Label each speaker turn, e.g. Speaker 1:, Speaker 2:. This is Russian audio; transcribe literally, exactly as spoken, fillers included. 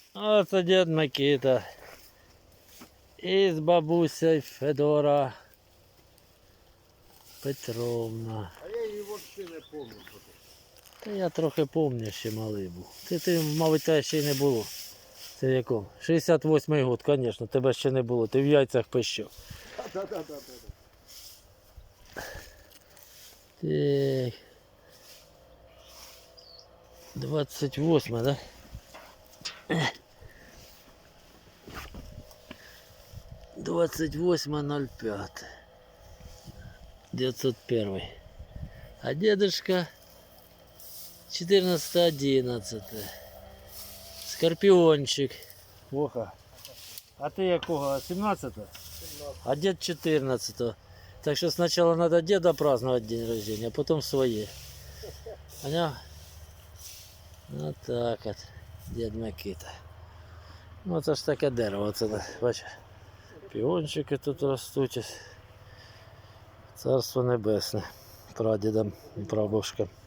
Speaker 1: Оце дід Микита. І з бабусею Федора Петровна.
Speaker 2: А я її взагалі не пам'ятаю.
Speaker 1: Та я трохи пам'ятаю, ще малий був. Ти, ти мабуть, тебе ще й не було. Це в якому? шістдесят восьмий год, звісно, тебе ще не було. Ти в яйцях пищав.
Speaker 2: Так-так-так.
Speaker 1: Так. двадцять восьме, да? двадцать восьмое ноль пять девятьсот один. А дедушка четырнадцатое одиннадцатое. Скорпиончик. Плохо. А ты якого? семнадцатого? А дед четырнадцатого. Так что сначала надо деда праздновать день рождения, а потом свои. Понял? Вот так вот. Дед Микита. Ну це ж таке дерево. Це, бачиш, піончики тут ростуть. Царство небесне. Прадідам і прабабушкам.